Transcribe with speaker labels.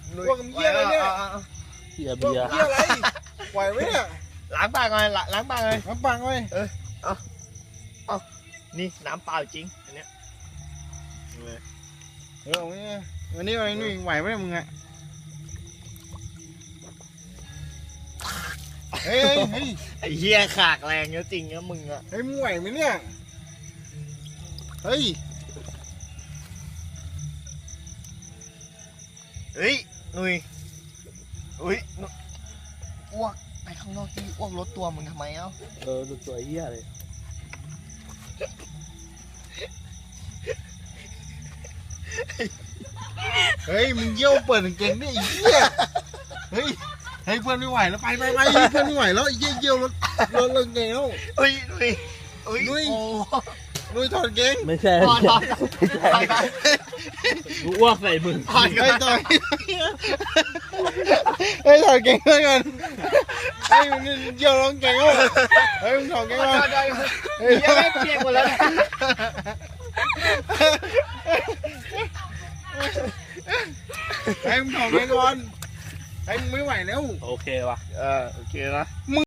Speaker 1: พวกมึงเหี้ยอะไรเนี่ย
Speaker 2: เบียร์
Speaker 1: พวก
Speaker 2: เบียร์
Speaker 1: เหี้ยอะไรไหวไหมเนี่ย
Speaker 3: ล้างปากหน่อยล้างปากหน่อย
Speaker 1: น้ำปังไว้
Speaker 3: นี่น้ำเปล่าจริงอันเนี้ย
Speaker 1: เอาเนี่ยวันนี้วันนี้ไหวไหมมึงอะเฮ้ยเฮ้ย
Speaker 3: ไอ้เหี้ยขากแรงเยอะจริงนะมึงอะ
Speaker 1: เฮ้ยมึงไหวไหมเนี่ยเฮ้ย
Speaker 3: เฮ้ยหนุ่ยอุ้ยอ้วกไปข้างนอกที่อ้วกรถตัวมึงทำไมเอ้า
Speaker 2: ดูตัวเหี้ยเลย
Speaker 1: เฮ้ยมึงเยี่ยวเปิดกางเกงนี่ไอ้เหี้ยเฮ้ยให้เพื่อนไม่ไหวแล้วไปเพื่อนไม่ไหวแล้วไอ้เยี่ยวรถกางเกงแล้ว
Speaker 3: อุ้ยหนุ่ยอุ้ย
Speaker 1: หนุ่ย
Speaker 3: โอ้
Speaker 1: นุ้ยถอดกางเกง
Speaker 2: ไม่ใช่
Speaker 3: ถอดถอดถอด
Speaker 2: กูอ้วกใส่มึง
Speaker 3: ถอด
Speaker 1: เฮ้ยถอดเฮ้ยถอดกางเกงด้วยกันเฮ้ยมึงเยี่ยวรถกางเกงแล้วเฮ้ยมึงถอดกางเกงมาเฮ้ย
Speaker 3: ยังไม่เปียกหมดแล้วนะ
Speaker 1: ให้มึงถอดกางเกงก่อนให้มึงไม่ไหวแล้ว
Speaker 2: โอเคว่ะ
Speaker 3: โอเคนะ